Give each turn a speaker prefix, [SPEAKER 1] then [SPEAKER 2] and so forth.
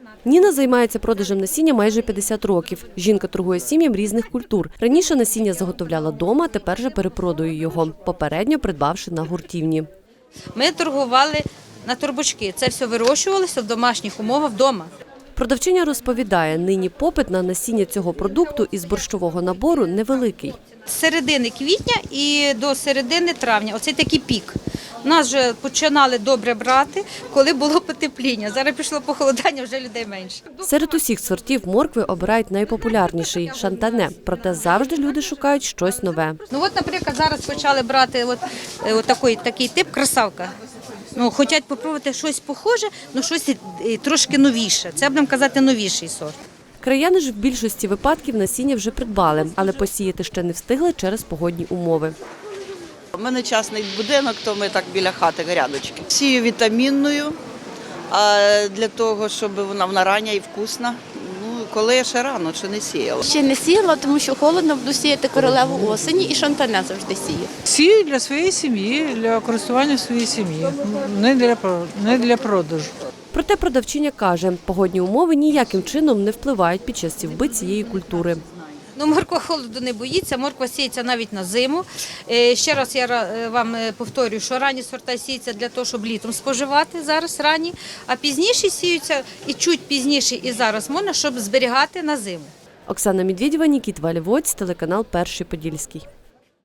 [SPEAKER 1] Ніна займається продажем насіння майже 50 років. Жінка торгує сім'ям різних культур. Раніше насіння заготовляла дома, тепер же перепродує його, попередньо придбавши на гуртівні.
[SPEAKER 2] Ми торгували на торбочки. Це все вирощувалося в домашніх умовах вдома.
[SPEAKER 1] Продавчиня розповідає, нині попит на насіння цього продукту із борщового набору невеликий.
[SPEAKER 2] З середини квітня і до середини травня. Оце такий пік. Нас вже починали добре брати, коли було потепління. Зараз пішло похолодання, вже людей менше.
[SPEAKER 1] Серед усіх сортів моркви обирають найпопулярніший – шантане. Проте завжди люди шукають щось нове.
[SPEAKER 2] Ну от, наприклад, зараз почали брати такий тип красавка. Хочуть спробувати щось похоже, але щось трошки новіше. Це, будемо казати, новіший сорт.
[SPEAKER 1] Краяни ж в більшості випадків насіння вже придбали, але посіяти ще не встигли через погодні умови.
[SPEAKER 3] У мене частний будинок, то ми так біля хати грядочки. Сію вітамінною, для того, щоб вона рання і вкусна. Коли ще рано, чи не сіяла.
[SPEAKER 4] Ще не сіяла, тому що холодно, буду сіяти королеву осені і шантане завжди сію.
[SPEAKER 5] Сію для своєї сім'ї, для користування своєї сім'ї, не для продажу.
[SPEAKER 1] Проте продавчиня каже, погодні умови ніяким чином не впливають під час сівби цієї культури.
[SPEAKER 2] Морква холоду не боїться, морква сіється навіть на зиму. Ще раз я вам повторюю, що ранні сорта сіються для того, щоб літом споживати, зараз ранні, а пізніші сіються і чуть пізніше і зараз можна, щоб зберігати на зиму.
[SPEAKER 1] Оксана Медведєва, Нікіта Валівоць, телеканал «Перший Подільський».